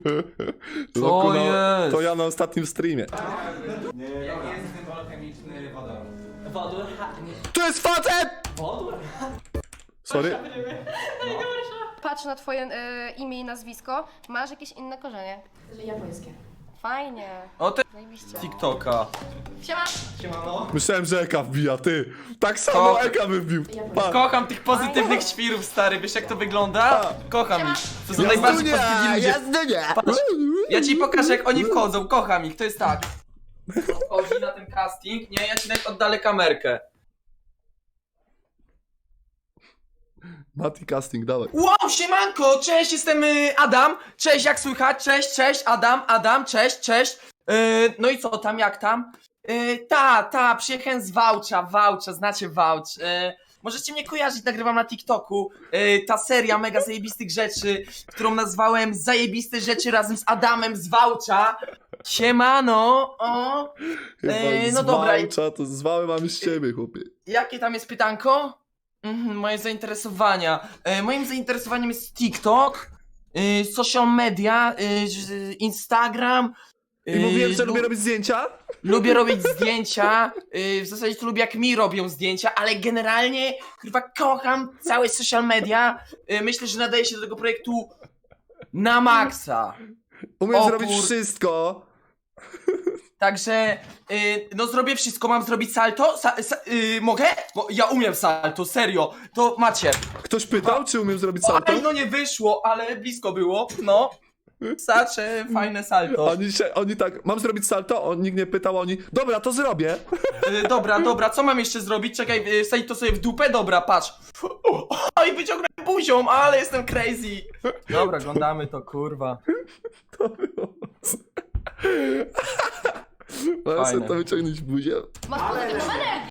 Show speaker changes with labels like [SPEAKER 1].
[SPEAKER 1] Co jest?
[SPEAKER 2] To ja na ostatnim streamie.
[SPEAKER 3] Jaki jest symbol chemiczny wodoru?
[SPEAKER 4] Wodór,
[SPEAKER 2] To jest facet!
[SPEAKER 4] wodór?
[SPEAKER 2] Sorry.
[SPEAKER 5] Patrz na twoje imię i nazwisko. Masz jakieś inne korzenie.
[SPEAKER 6] Japońskie.
[SPEAKER 5] Fajnie.
[SPEAKER 1] O te
[SPEAKER 5] Zajebiście.
[SPEAKER 1] TikToka.
[SPEAKER 5] Siema.
[SPEAKER 2] Myślałem, że Eka wbija, ty. Tak samo
[SPEAKER 1] To-
[SPEAKER 2] Eka wybił. Pa.
[SPEAKER 1] Kocham tych pozytywnych świrów, stary, wiesz jak to wygląda? Kocham ich. To są najbardziej pozytywni ludzie. Patrz, ja ci pokażę jak oni wchodzą, kocham ich, to jest tak. Wchodzi na ten casting, nie, ja ci nawet oddalę kamerkę.
[SPEAKER 2] Mati casting, dawaj.
[SPEAKER 1] Wow, siemanko, cześć, jestem Adam. Cześć, jak słychać? Cześć, Adam, cześć. No i co tam, jak tam? Przyjechałem z Wałcza, znacie Wałcz. Możecie mnie kojarzyć, nagrywam na TikToku. Ta seria mega zajebistych rzeczy, którą nazwałem Zajebiste Rzeczy razem z Adamem z Wałcza. Siemano, o.
[SPEAKER 2] Chyba
[SPEAKER 1] No dobra.
[SPEAKER 2] To zwały mamy z ciebie, chłopie.
[SPEAKER 1] Jakie tam jest pytanko? Moje zainteresowania. Moim zainteresowaniem jest TikTok, social media, Instagram.
[SPEAKER 2] I mówiłem, że
[SPEAKER 1] lu-
[SPEAKER 2] lubię robić zdjęcia?
[SPEAKER 1] Lubię robić zdjęcia. W zasadzie to lubię jak mi robią zdjęcia, ale generalnie kurwa kocham całe social media. Myślę, że nadaje się do tego projektu na maksa.
[SPEAKER 2] Umiem
[SPEAKER 1] O
[SPEAKER 2] zrobić
[SPEAKER 1] kur-
[SPEAKER 2] wszystko.
[SPEAKER 1] Także, no zrobię wszystko, mam zrobić salto? Mogę? Bo ja umiem salto, serio. To macie.
[SPEAKER 2] Ktoś pytał, czy umiem zrobić salto?
[SPEAKER 1] Oj, no nie wyszło, ale blisko było, no. Sacze, fajne salto.
[SPEAKER 2] Oni tak, mam zrobić salto? Nikt nie pytał, oni, dobra, to zrobię.
[SPEAKER 1] Dobra, co mam jeszcze zrobić? Czekaj, wsadzić to sobie w dupę? Dobra, patrz. Oj, wyciągnąłem buzią, ale jestem crazy. Dobra, oglądamy to, kurwa.
[SPEAKER 2] To było. Mam sobie
[SPEAKER 1] Fajne.
[SPEAKER 2] to wyciągnąć buzię.
[SPEAKER 5] Masz pozytywną energię.